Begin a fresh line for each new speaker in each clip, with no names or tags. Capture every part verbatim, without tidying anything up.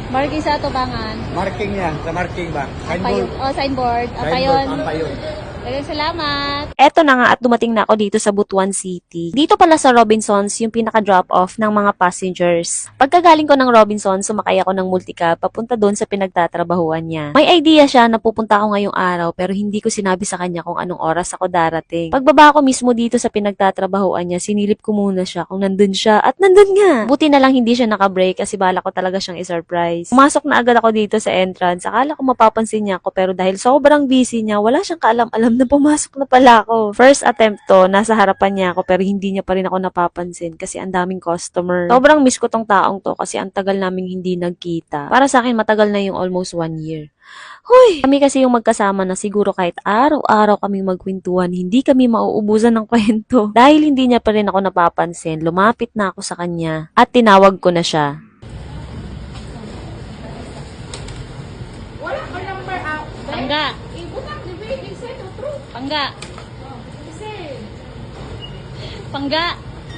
Marking sa atubangan.
Marking niya, sa marking ba?
Ampayon.
Signboard.
Oh, signboard.
Signboard,
Ampayon.
Ampayon.
Daghang salamat.
Eto na nga at dumating na ako dito sa Butuan City. Dito pala sa Robinsons yung pinaka-drop off ng mga passengers. Pagkagaling ko ng Robinsons, sumakay ako ng multicab papunta doon sa pinagtatrabahuan niya. May idea siya na pupunta ako ngayong araw pero hindi ko sinabi sa kanya kung anong oras ako darating. Pagbaba ko mismo dito sa pinagtatrabahuan niya, sinilip ko muna siya kung nandun siya at nandun nga. Buti na lang hindi siya naka-break kasi bala ko talaga siyang i-surprise. Pumasok na agad ako dito sa entrance. Akala ko mapapansin niya ako pero dahil sobrang busy niya, wala siyang kaalam-alam na pumasok na pala ako. First attempt to, nasa harapan niya ako pero hindi niya pa rin ako napapansin kasi ang daming customer. Sobrang miss ko tong taong to kasi ang tagal naming hindi nagkita. Para sa akin, matagal na yung almost one year. Hoy! Kami kasi yung magkasama na siguro kahit araw-araw kaming magkwentuhan, hindi kami mauubusan ng kwento. Dahil hindi niya pa rin ako napapansin, lumapit na ako sa kanya at tinawag ko na siya.
Wala ko number out.
Pangga.
Ibutak ni baby sa no true.
Pangga.
Kasi
Pangga.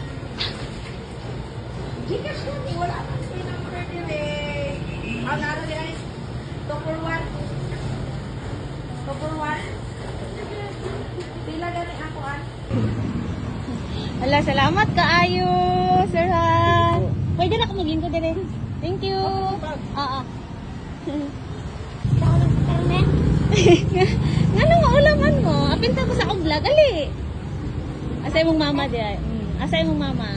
Gcash ko ni wala ka sa number dire. Ang ano di ay two for one. two for one. Pila gani ako an.
Hala, salamat kaayo, sir ha. Pwede na ako maging ko dire. Thank you. Oo. Nga nang maulaman mo, apinta ko sa akong vlog, ali. Asay mong mama di ay. Mm. Asay mong mama.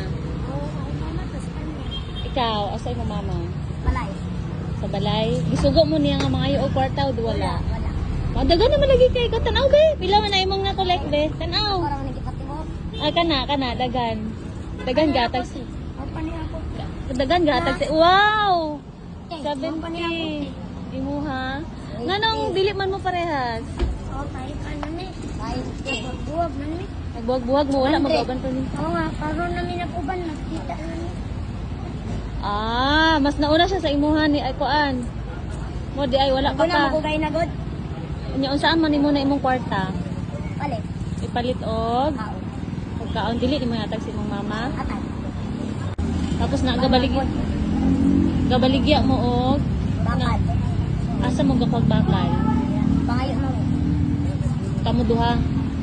Ikaw, asay mong mama.
Malay.
Sa balay. Gisugo mo niya nga mga iyo kwarta o wala.
Wala.
Oh, dagan naman lagi kay ko tanaw be. Pila man na imong na collect be. Tanaw.
Para man gipatibok.
Ah, kana, kana, dagan. Dagan gatag si.
O pa niya ako.
Dagan gatag si. Wow!
pa niya
seventy. Imuha. Nganong dili man mo parehas?
O tayo pa na ni. Tayo buwag man ni.
Nagbuwag-buwag mo wala mag-uban pa ni.
Oo nga, karon namin nakuban nakita na ni.
Ah, mas nauna siya sa imuha ni ay kuan. Mo di ay wala pa
Wala
pa.
mo kay nagod.
Nya unsaan man nimo na imong kwarta?
Palit.
Ipalit og
Kao.
pagkaon dili ni mo yatag si imong mama.
Atay.
Tapos na gabalig gabaligya mo og
Bakad.
asa mo gapag bakal.
Pangayo mo.
Kamo duha.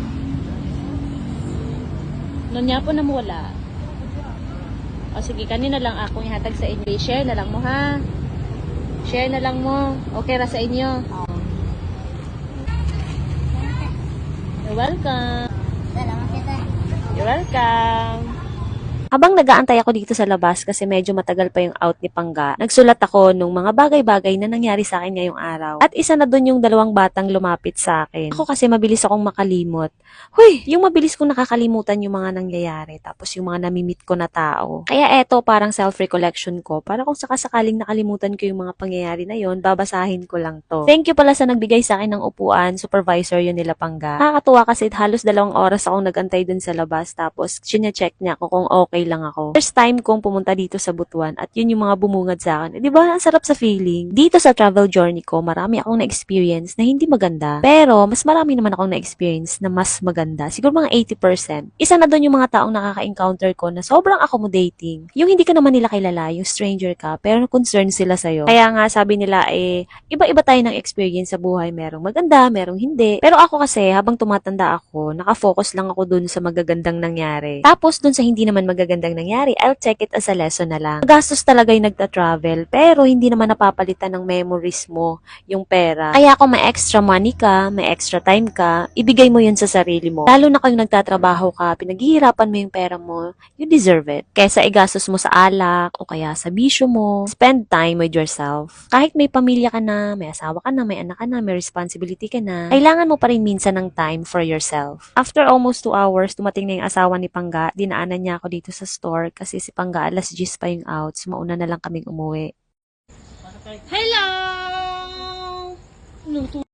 Nonya po na mo wala. O sige, kanina lang akong ihatag sa inyo. Share na lang mo ha. Share na lang mo. Okay ra sa inyo. You're welcome.
Salamat kita.
You're welcome.
Habang nag-aantay ako dito sa labas kasi medyo matagal pa yung out ni Pangga, nagsulat ako nung mga bagay-bagay na nangyari sa akin ngayong araw. At isa na dun yung dalawang batang lumapit sa akin. Ako kasi mabilis akong makalimot. Huy! Yung mabilis kong nakakalimutan yung mga nangyayari tapos yung mga namimit ko na tao. Kaya eto parang self-recollection ko para kung sakasakaling nakalimutan ko yung mga pangyayari na yon, babasahin ko lang to. Thank you pala sa nagbigay sa akin ng upuan, supervisor yun nila Pangga. Nakakatuwa kasi halos dalawang oras akong nagantay dun sa labas tapos sinya-check niya ako kung okay lang ako. First time kong pumunta dito sa Butuan at yun yung mga bumungad sa akin. Eh, di ba? Ang sarap sa feeling. Dito sa travel journey ko, marami akong na-experience na hindi maganda. Pero, mas marami naman akong na-experience na mas maganda. Siguro mga eighty percent. Isa na doon yung mga taong nakaka-encounter ko na sobrang accommodating. Yung hindi ka naman nila kilala, yung stranger ka, pero concerned sila sa'yo. Kaya nga, sabi nila, eh, iba-iba tayo ng experience sa buhay. Merong maganda, merong hindi. Pero ako kasi, habang tumatanda ako, nakafocus lang ako dun sa magagandang nangyari. Tapos, dun sa hindi naman magagandang nangyari, I'll take it as a lesson na lang. Magastos talaga yung nagta-travel, pero hindi naman napapalitan ng memories mo yung pera. Kaya kung may extra money ka, may extra time ka, ibigay mo yun sa sarili mo. Lalo na kung nagtatrabaho ka, pinaghihirapan mo yung pera mo, you deserve it. Kesa igastos mo sa alak, o kaya sa bisyo mo, spend time with yourself. Kahit may pamilya ka na, may asawa ka na, may anak ka na, may responsibility ka na, kailangan mo pa rin minsan ng time for yourself. After almost two hours, dumating na yung asawa ni Pangga, dinaanan niya ako dito sa store kasi si Pangga alas diyes pa yung out, so mauna na lang kaming umuwi.
Hello! Ano to?